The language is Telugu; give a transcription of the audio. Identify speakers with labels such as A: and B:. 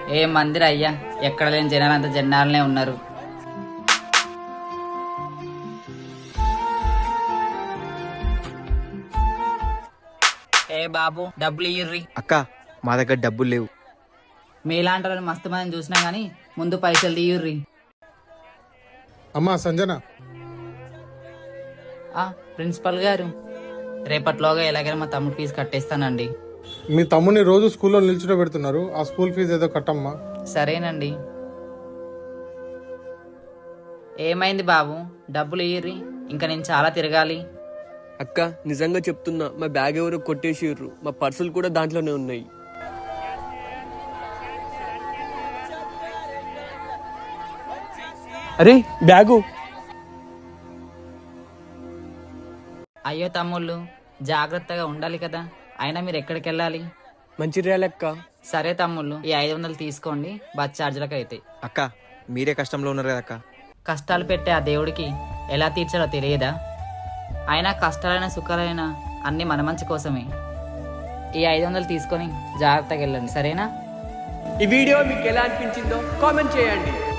A: ఏ మందిర అయ్యా, ఎక్కడ లేని జనాలంతా జనాలనే ఉన్నారు. ఏ బాబు డబ్బులు ఇయ్యుర్రి.
B: అక్క మా దగ్గర డబ్బులు లేవు.
A: మీలాంటి వాళ్ళని మస్తు మందిని చూసినా గానీ ముందు పైసలు తీయుర్రి.
C: అమ్మా సంజన,
A: ప్రిన్సిపల్ గారు, రేపట్లోగా ఎలాగైనా మా తమ్ముడు ఫీజు కట్టేస్తానండి.
C: మీ తమ్ముని రోజు స్కూల్లో నిల్చుని పెడుతున్నారు, ఆ స్కూల్ ఫీజు ఏదో కట్టమ్మా.
A: సరేనండి. ఏమైంది బాబు, డబ్బులు ఇయ్యుర్రి, ఇంకా నేను చాలా తిరగాలి.
D: అక్క నిజంగా చెప్తున్నా, మా బ్యాగ్ ఎవరో కొట్టేసిర్రు, మా పర్సులు కూడా దాంట్లోనే ఉన్నాయి. అరే బ్యాగు.
A: అయ్యో తమ్ముళ్ళు, జాగ్రత్తగా ఉండాలి కదా, అయినా మీరు ఎక్కడికి వెళ్ళాలి?
D: మంచిర్యాలక్క.
A: సరే తమ్ముళ్ళు, ఈ 500 తీసుకోండి, బస్ ఛార్జీలకు అవుతాయి.
B: అక్క మీరే కష్టంలో ఉన్నారు కదా అక్క.
A: కష్టాలు పెట్టే ఆ దేవుడికి ఎలా తీర్చాలో తెలియదా? అయినా కష్టాలైన సుఖాలైనా అన్నీ మన మంచి కోసమే. ఈ 500 తీసుకొని జాగ్రత్తగా వెళ్ళండి, సరేనా?
D: ఈ వీడియో మీకు ఎలా అనిపించిందో కామెంట్ చేయండి.